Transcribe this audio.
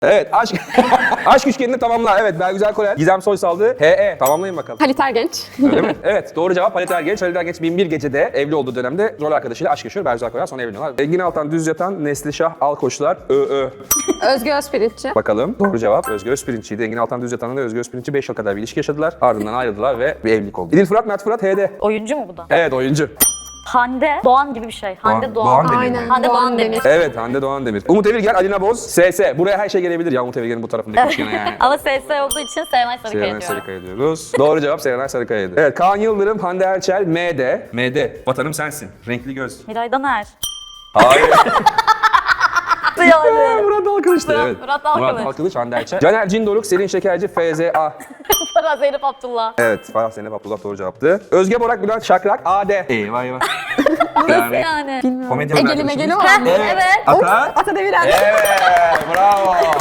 Evet, aşk aşk üçgenini tamamla. Evet, Bergüzar Korel, Gizem Soysal'dı. HE. Tamamlayın bakalım. Halit Ergenç. Öyle mi? Evet, doğru cevap Halit Ergenç. Halit Ergenç 1001 gecede evli olduğu dönemde rol arkadaşıyla aşk yaşıyor. Bergüzar Korel sonra evleniyorlar. Engin Altan Düz Yatan, Neslişah Alkoçlar, ÖÖ. Özgü Özpirinççi. Bakalım. Doğru cevap Özgür Özpirinççiydi. Engin Altan Düz Yatan'la Özgür Özpirinççi 5 yıl kadar bir ilişki yaşadılar. Ardından ayrıldılar ve bir evlilik oldu. İdil Fırat, Mert Fırat, HD. Oyuncu mu bu da? Evet, oyuncu. Hande Doğan gibi bir şey. Hande Doğan. Demir mi? Aynen. Hande Doğan Demir. Evet, Hande Doğan Demir. Umut Evirgen, Alina Boz, SS. Buraya her şey gelebilir ya Umut Evirgen'in bu tarafındaki üçgene yani. Ama SS olduğu için Serenay Sarıkaya Serenay diyorum. Sarıkaya diyoruz. Doğru cevap Serenay Sarıkaya'ydı. Evet, Kaan Yıldırım, Hande Erçel, MD. MD. Vatanım sensin. Renkli göz. Miray Daner. Hayır. Yani. Murat Dalkılıç'tı. Evet. Murat Dalkılıç. Murat Dalkılıç, Hande Erçel. Caner Cindoruk, Selin Şekerci, FZA. Farah Zeynep Abdullah. Evet, Farah Zeynep Abdullah doğru cevaptı. Özge Borak, Bülent Şakrak, AD. Eyvah eyvah. Nasıl yani? Komedyen Egeli arkadaşımız. Megeli o. Evet. Ata. Ata Deviren. Evet, bravo.